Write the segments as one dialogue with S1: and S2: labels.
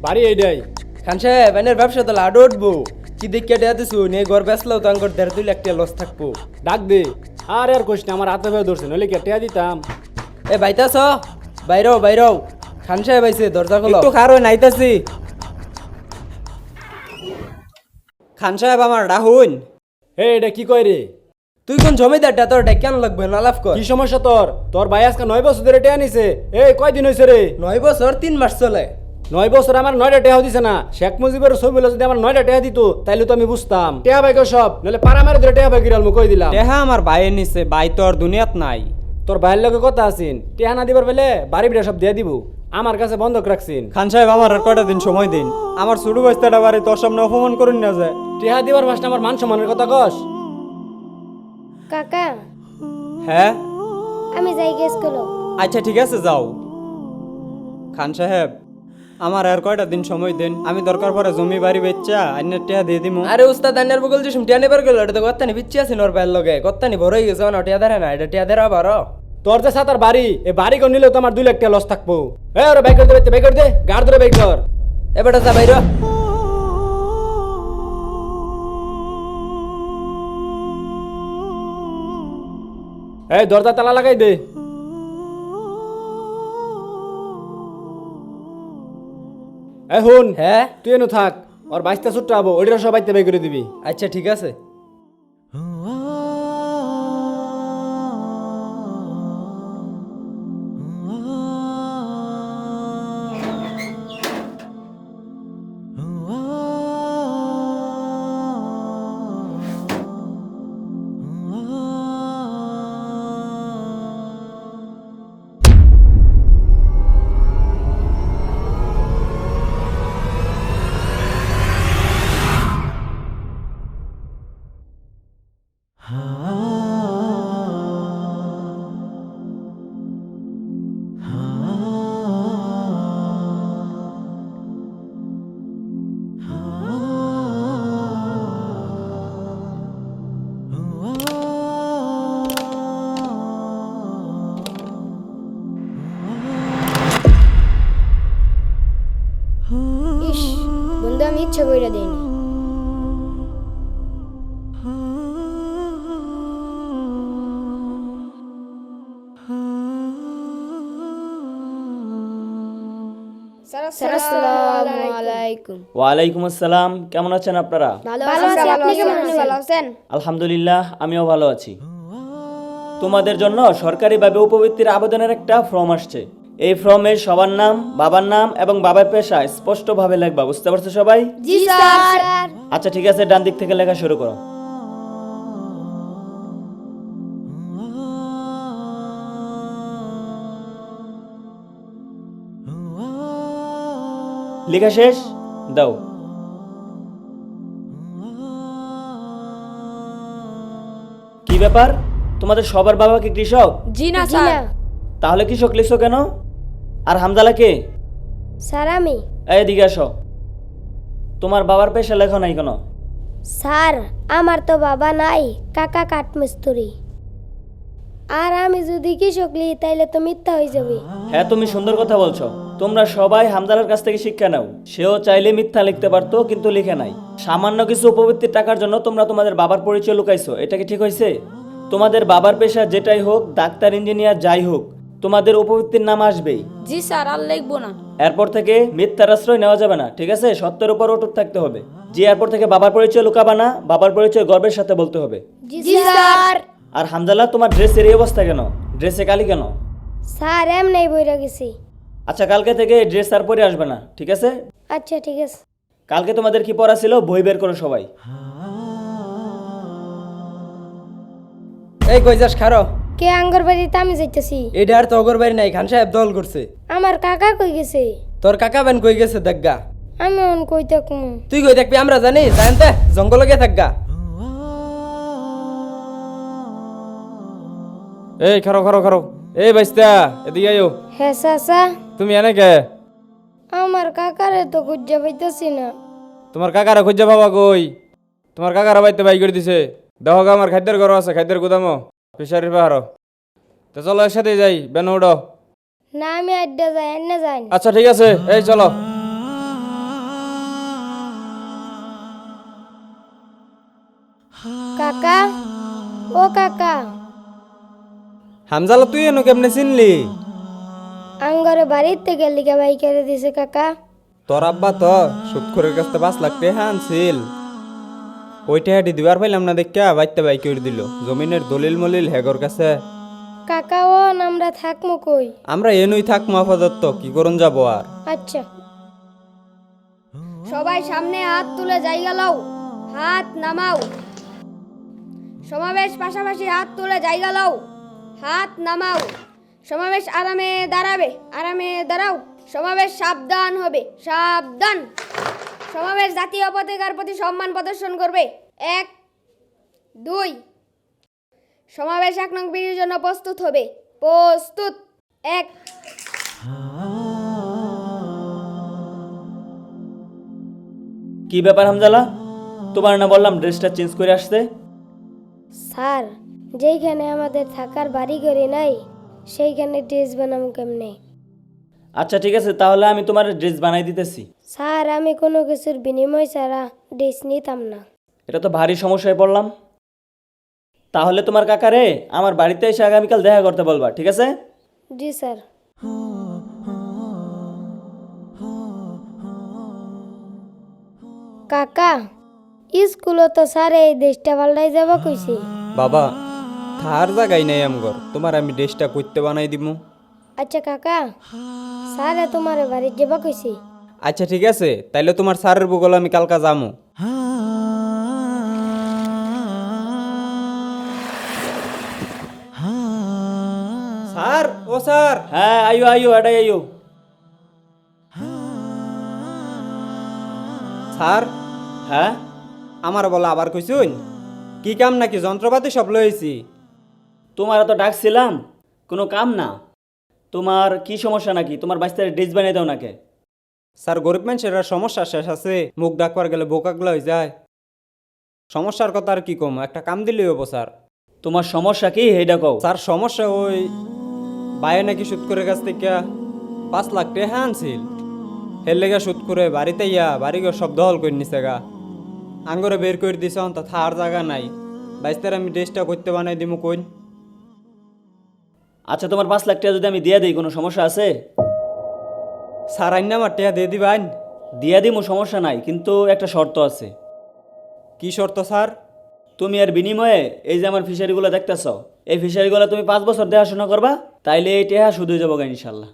S1: বাড়ি এইটাই।
S2: খান সাহেব এনের ব্যবসা তো লাডো উঠবো। কি দেখে টেয়া দিছু নিয়ে ঘর বেসলেও তো আঙ্কর 1.5-2 লাখ টাকা লস থাকবো।
S1: ডাক দে। আর কোশ না, আমার হাতে ভয়ে ধরছে, নইলে কেটে দিতাম।
S2: এ বাইতাছ বাইরও বাইরও। খান সাহেব আইছে, দরজা খোলো। একটু খারো নাইতাছি। খান সাহেব আমার রাহুন।
S1: এটা কি কয় রে?
S2: তুই কোন জমিদারটা তোর কেন লাগবে না লাভ কর।
S1: কি সমস্যা তোর? তোর ভাই আজকে 9 বছর ধরে টেয়া নিছে। কয়দিন হয়েছে রে?
S2: 9 বছর 3 মাস চলে।
S1: 9 বছর আমার 9টা টেয়া দিছে না। শেখ মুজিবের ছবি যদি আমার 9টা টেয়া দিত তাইলে তো আমি বুঝতাম। টেয়া ভাই সব, নইলে পাড়া মারে ধরে টেয়া ভাই গিরাল মু কই দিলাম।
S2: টেহা আমার ভাইয়ের নিছে, ভাই তোর দুনিয়াত নাই।
S1: তোর ভাইয়ের লগে কথা আছিন, টেয়া না দিবার বেলে বাড়ি বিড়া সব দিয়ে দিব। আমার কাছে বন্ধক রাখছিন।
S2: খান সাহেব আমার আর কয়টা দিন সময় দিন। আমার ছোট বাচ্চাটা বাড়ি তোর সামনে অপমান করুন না যায়।
S1: টেয়া দিবার মাসটা আমার মান সম্মানের কথা কস।
S3: কাকা
S2: হ্যাঁ
S3: আমি যাই গেস করো।
S2: আচ্ছা ঠিক আছে যাও। খান সাহেব আমার আর কয়টা দিন সময় দেন, আমি দরকার পড়ে জমি বাড়ি বেচা আইনের টিয়া দিয়ে দিমু। আরে উস্তাদ আইনের বগল যে টিয়া নেবার গেল, এটা তো গত্তানি বিচ্ছি আছে নর বাইর লগে। গত্তানি বড় হয়ে গেছে না, টিয়া ধরে না, এটা টিয়া ধরে আবার।
S1: তোর যে সাতার বাড়ি, এই বাড়ি কোন নিলেও তো আমার 2 লাখ টাকা লস থাকবো। ওরে বাইক করে দে, বাইক করে দে, গাড় ধরে বাইক কর।
S2: এবারে যা বাইর।
S1: দরজা তালা লাগাই দে। হুন,
S2: হ্যাঁ
S1: তুই এনু থাক। ওর বাইশটা ছুট্টা হবো, ওইটা সবাই বাই করে দিবি।
S2: আচ্ছা ঠিক আছে।
S3: ইস বন্ধু আমি ইচ্ছা কইরা দেইনি। আসসালামু আলাইকুম।
S4: ওয়ালাইকুম আসসালাম। কেমন আছেন আপনারা?
S3: ভালো আছি, আপনি কেমন আছেন? ভালো আছেন?
S4: আলহামদুলিল্লাহ, আমিও ভালো আছি। তোমাদের জন্য সরকারিভাবে উপবৃত্তির আবেদনের একটা ফর্ম আসছে। এই ফর্মে সবার নাম, বাবার নাম এবং বাবার পেশা স্পষ্টভাবে লিখবা। বুঝতে পারছো সবাই?
S3: জি স্যার।
S4: আচ্ছা ঠিক আছে, ডান দিক থেকে লেখা শুরু করো। লেখা শেষ? দাও। কি ব্যাপার, তোমাদের সবার বাবা কি কৃষক?
S3: জি না স্যার।
S4: তাহলে কৃষক লিখছো কেন? আর হামজালা কে?
S3: স্যার আমি।
S4: এদিকে আসো। তোমার বাবার পেশা লেখো নাই কেন?
S3: স্যার আমার তো বাবা নাই, কাকা কাঠমিস্ত্রি। আর আমি যদি কৃষক লিখি তাইলে তো মিথ্যা হয়ে যাবে।
S4: হ্যাঁ, তুমি সুন্দর কথা বলছো। তোমরা সবাই হামজালার কাছ থেকে শিক্ষা নাও। সেও চাইলে মিথ্যা লিখতে পারতো, কিন্তু লিখে নাই। সামান্য কিছু উপবৃত্তির টাকার জন্য তোমরা তোমাদের বাবার পরিচয় লুকাইছো। এটা কি ঠিক হয়েছে? তোমাদের বাবার পেশা যেটাই হোক, ডাক্তার, ইঞ্জিনিয়ার, যাই হোক, তোমাদের উপবৃত্তির নাম আসবেই।
S5: জি স্যার, আর লিখবো না।
S4: এরপর থেকে মিথ্যার আশ্রয় নেওয়া যাবে না, ঠিক আছে? সত্যের উপর অটুট থাকতে হবে। জি, এরপর থেকে বাবার পরিচয় লুকাবা না, বাবার পরিচয় গর্বের সাথে বলতে হবে।
S3: জি স্যার।
S4: আর হামজালা, তোমার ড্রেসের এই অবস্থা কেন? ড্রেসে কালি কেন?
S3: স্যার এমনি বইরা গেছি।
S4: আচ্ছা, কালকে থেকে ড্রেস আর পরে আসবে না, ঠিক আছে?
S3: আচ্ছা ঠিক আছে।
S4: কালকে তোমাদের কি পড়া ছিল? বই বের করো সবাই।
S2: এই কই যাস খারো।
S3: কে আঙ্গর বাড়িতে আমি যাইতেছি।
S2: এটা আর তো অগর বাড়ি নাই, খান সাহেব দল করছে।
S3: আমার কাকা কই গেছে?
S2: তোর কাকা বেন কই গেছে দেখগা।
S3: আমি অন কই থাকুম?
S2: তুই কই দেখবি আমরা জানি, জানতে জঙ্গলে গিয়ে থাকগা।
S1: এই খারো খারো খারো। এই বাইস্তা, এদিকে আইও।
S3: হ্যাঁ চাচা।
S1: তুমি এনে কে?
S3: আমার কাকারে তো খুঁজে পাইতেছি না।
S1: তোমার কাকারা খুঁজে পাবা কই? তোমার কাকারা বাইতে বাই করে দিছে। দেখো গা, আমার খাদ্যের ঘর আছে, খাদ্যের গুদামও ফিশারির পাহাড়। তো চলো একসাথে যাই, বেন উঠো।
S3: না আমি আড্ডা যাই, এনে যাই।
S1: আচ্ছা ঠিক আছে, এই চলো।
S3: কাকা ও কাকা
S2: হামজালা তুই এনো কেমনে চিনলি?
S3: আঙ্গরে বাড়িতে গেলি কে বাই করে দিছে কাকা।
S2: তোর আব্বা তো সুৎখরের কাছ থেকে 5 লাখ টাকা আনছিল, ওই টাকাটি দিবার পাইলাম না দেখা বাইতে বাই করে দিল। জমিনের দলিল মলিল হেগর কাছে।
S3: কাকা ও আমরা থাকমু কই?
S2: আমরা এনুই থাকবো আপাতত, কি করুন যাব আর।
S3: আচ্ছা সবাই সামনে হাত তুলে জায়গা লও, হাত নামাও। সমাবেশ পাশাপাশি হাত তুলে জায়গা লও, হাত নামাও। সমাবেশ আরামে দাঁড়াবে, আরামে দাঁড়াও। সমাবেশ সাবধান হবে, সাবধান। সমাবেশ জাতীয় পতাকার প্রতি সম্মান প্রদর্শন করবে। 1 2 সমাবেশ 1 নং বিধির জন্য প্রস্তুত হবে, প্রস্তুত। 1
S4: কি ব্যাপার হামজালা, তোমার না বললাম ড্রেসটা চেঞ্জ করে আসতে?
S3: স্যার যেইখানে আমাদের থাকার বাড়ি ঘরে নাই সেইখানে ড্রেস বানাবো কেমনে?
S4: আচ্ছা ঠিক আছে, তাহলে আমি তোমার ড্রেস বানাই দিতেছি।
S3: স্যার আমি কোনো কিছুর বিনিময় ছাড়া ড্রেস নিতাম না।
S4: এটা তো ভারী সমস্যায় পড়লাম। তাহলে তোমার কাকারে আমার বাড়িতে এসে আগামীকাল দেখা করতে বলবা, ঠিক আছে?
S3: জি স্যার। কাকা স্কুলে তো স্যার এই দেশটা পাল্টাই যাব কইছে।
S2: বাবা থার জায়গাই নাই আমগর, তোমার আমি ড্রেসটা করতে বানাই দিমু।
S3: আচ্ছা কাকা স্যার তোমার বাড়ি যাব কইছে।
S2: আচ্ছা ঠিক আছে, তাইলে তোমার স্যারের বগল আমি কালকা যামু। স্যার ও স্যার।
S4: হ্যাঁ আইও আইও, এটাই আইও।
S2: স্যার
S4: হ্যাঁ
S2: আমার বলা আবার কইছুন, কি কাম নাকি যন্ত্রপাতি সব লইছি?
S4: তোমার তো ডাকছিলাম, কোনো কাম না। তোমার কি সমস্যা নাকি? তোমার বাচ্চার ড্রেস বানিয়ে দাও নাকি?
S2: স্যার গরিব মানুষের আর সমস্যা শেষ আছে, মুখ ডাকবার গেলে বোকাগুলো হয়ে যায়। সমস্যার কথা আর কি কম, একটা কাম দিলেই হবো স্যার।
S4: তোমার সমস্যা কি এইটা কও।
S2: স্যার সমস্যা ওই বাইরে নাকি সুদ করে কাছ থেকে 5 লাখ টাকা আনছিল, হের লেগে সুদ করে বাড়িতে ইয়া বাড়িঘর সব দখল করে নিছে গা। আঙ্গরে বের করে দিছে, অন্ত থার জায়গা নাই। বাইস্তার আমি ড্রেসটা করতে বানাই দিমু কইন।
S4: আচ্ছা তোমার 5 লাখ টাকা যদি আমি দিয়ে দিই, কোনো সমস্যা আছে?
S2: স্যার আইন আমার টাকা দিয়ে দিবেন?
S4: দিয়ে দিমু, সমস্যা নাই, কিন্তু একটা শর্ত আছে।
S2: কি শর্ত স্যার?
S4: তুমি এর বিনিময়ে এই যে আমার ফিশারিগুলো দেখতেছ, এই ফিশারিগুলো তুমি 5 বছর দেখাশোনা করবা, তাইলে এই টাকা শুধু যাবো গা ইনশাল্লাহ।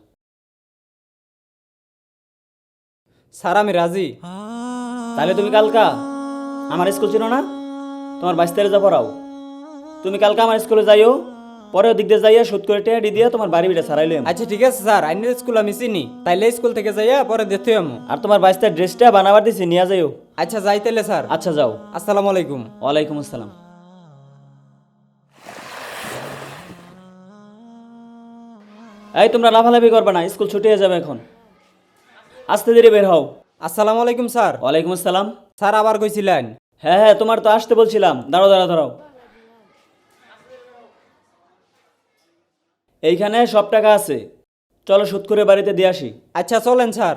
S2: স্যার আমি রাজি।
S4: তাহলে তুমি কালকা আমার স্কুল ছিল না, তোমার 22 যা পড়াও, তুমি কালকা আমার স্কুলে যাইও, পরে ওদিক দিয়ে যাইয়া সুদ করে টাকা দিয়ে তোমার বাড়ি বিটা ছাড়াইলে।
S2: আচ্ছা ঠিক আছে স্যার, আইনের স্কুল আমি চিনি, তাইলে স্কুল থেকে যাইয়া পরে দেখতে আমু।
S4: আর তোমার 22 ড্রেসটা বানাবার দিছি, নিয়ে যাইও।
S2: আচ্ছা যাইতেলে স্যার।
S4: আচ্ছা যাও।
S2: আসসালামু আলাইকুম।
S4: ওয়ালাইকুম আসসালাম। এই তোমরা লাফালাফি করবে না, স্কুল ছুটি হয়ে যাবে এখন, আস্তে ধীরে বের হও।
S2: আসসালামু আলাইকুম স্যার।
S4: ওয়ালাইকুম আসসালাম।
S2: স্যার আবার কইছিলেন?
S4: হ্যাঁ হ্যাঁ, তোমার তো আসতে বলছিলাম, দাঁড়াও দাঁড়াও দাঁড়াও। এইখানে সব টাকা আছে, চলো সুদ করে বাড়িতে দিয়ে আসি।
S2: আচ্ছা চলেন স্যার।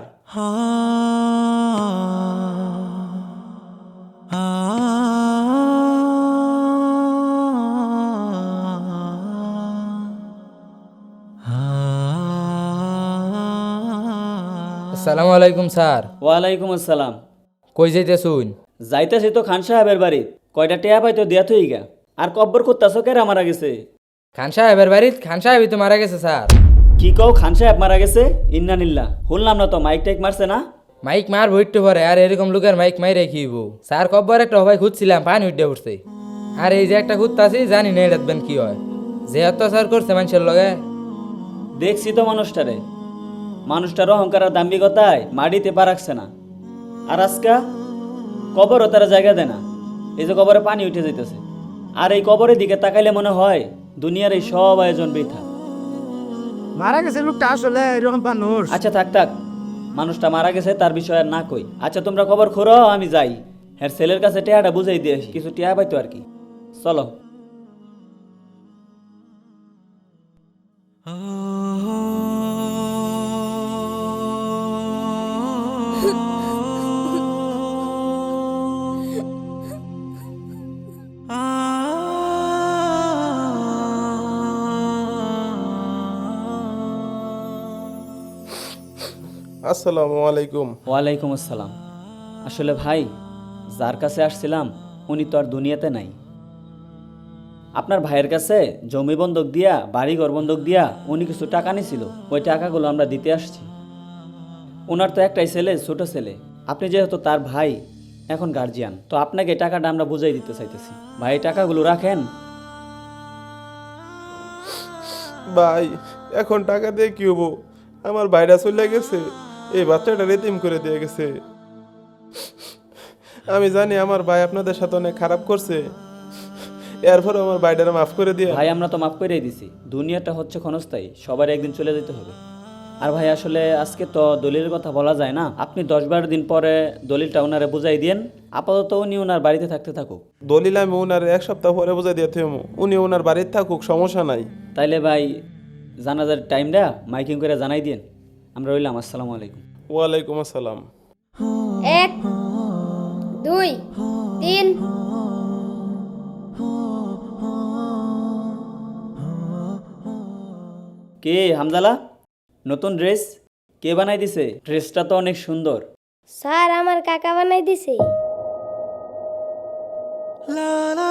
S5: আসসালামু আলাইকুম স্যার।
S4: ওয়ালাইকুম আসসালাম।
S5: কই যাইতেছুন?
S4: যাইতেছি তো খান সাহেবের বাড়ি, কয়টা টেয়া পাইতো দিয়া থই গা। আর কব্বর করতেছো কেরা মারা গেছে?
S5: খান সাহেবের বাড়িত খান সাহেবই তো মারা গেছে স্যার।
S4: কি কও, খান সাহেব মারা গেছে? ইন্নানিল্লাহ, শুনলাম না তো, মাইক টাইক মারছে না?
S5: মাইক মার ভইট্টু পরে, আর এরকম লোকের মাইক মাই রেখিব স্যার। কব্বর একটা হবাই খুঁজছিলাম, পানি উঠে উঠছে। আর এই যে একটা খুঁজতাছি, জানি না এটাতবেন কি হয়, যে অত্যাচার করছে মানুষের লগে।
S4: দেখছি তো মানুষটারে, মানুষটার অহংকার আর দাম্ভিকতায় মাটিতে পা রাখছে না। আর আজকা কবরও তারা জায়গা দেয় না, এই যে কবরে পানি উঠে যাইতেছে। আর এই কবরের দিকে তাকাইলে মনে হয় দুনিয়ার এই সব আয়োজন বৃথা।
S6: মারা গেছে লোকটা আসলে এরকম মানুষ।
S4: আচ্ছা থাক থাক, মানুষটা মারা গেছে তার বিষয় আর না কই। আচ্ছা তোমরা খবর খোরো, আমি যাই। হ্যাঁ ছেলের কাছে টেয়াটা বুঝাই দিয়ে আসি, কিছু টেয়া পাইতো আর কি। চলো।
S7: Ah আসসালামু আলাইকুম।
S4: ওয়ালাইকুম আসসালাম। আসলে ভাই, যার কাছে আসছিলাম উনি তো আর দুনিয়াতে নাই। আপনার ভাইয়ের কাছে জমি বন্ধক দিয়া, বাড়িঘর বন্ধক দিয়া উনি কিছু টাকা নিছিল, ওই টাকাগুলো আমরা দিতে আসছি। ওনার তো একটাই ছেলে, ছোট ছেলে। আপনি যেহেতু তার ভাই, এখন গার্জিয়ান, তো আপনাকে এই টাকাটা আমরা বুঝাই দিতে চাইতেছি। ভাই, এই টাকাগুলো রাখেন।
S7: ভাই, এখন টাকা দিয়ে কি হবো? আমার ভাইরা চলে গেছে, এই বাচ্চাটা রেতিম করে দিয়ে গেছে। আমি জানি আমার ভাই আপনাদের সাথে অনেক খারাপ করছে, এরপর আমার ভাইটারে মাফ করে দিয়ে।
S4: ভাই, আমরা তো মাফ করেই দিছি। দুনিয়াটা হচ্ছে ক্ষণস্থায়ী, সবার একদিন চলে যেতে হবে। আর ভাই, আসলে আজকে তো দলিলের কথা বলা যায় না। আপনি 10-12 দিন পরে দলিলটা ওনারে বুঝাই দিন। আপাতত উনি ওনার বাড়িতে থাকতে থাকুক।
S7: দলিল আমি ওনার 1 সপ্তাহ পরে বুঝাই দিয়ে থেমো, উনি ওনার বাড়িতে থাকুক, সমস্যা নাই।
S4: তাইলে ভাই, জানাজার টাইমটা মাইকিং করে জানাই দিন। আমরা রইলাম। আসসালামু আলাইকুম।
S7: ওয়ালাইকুম আসসালাম।
S3: 1 2 3।
S4: কে হামজালা? নতুন ড্রেস কে বানাই দিছে? ড্রেসটা তো অনেক সুন্দর।
S3: স্যার, আমার কাকা বানাই দিছে।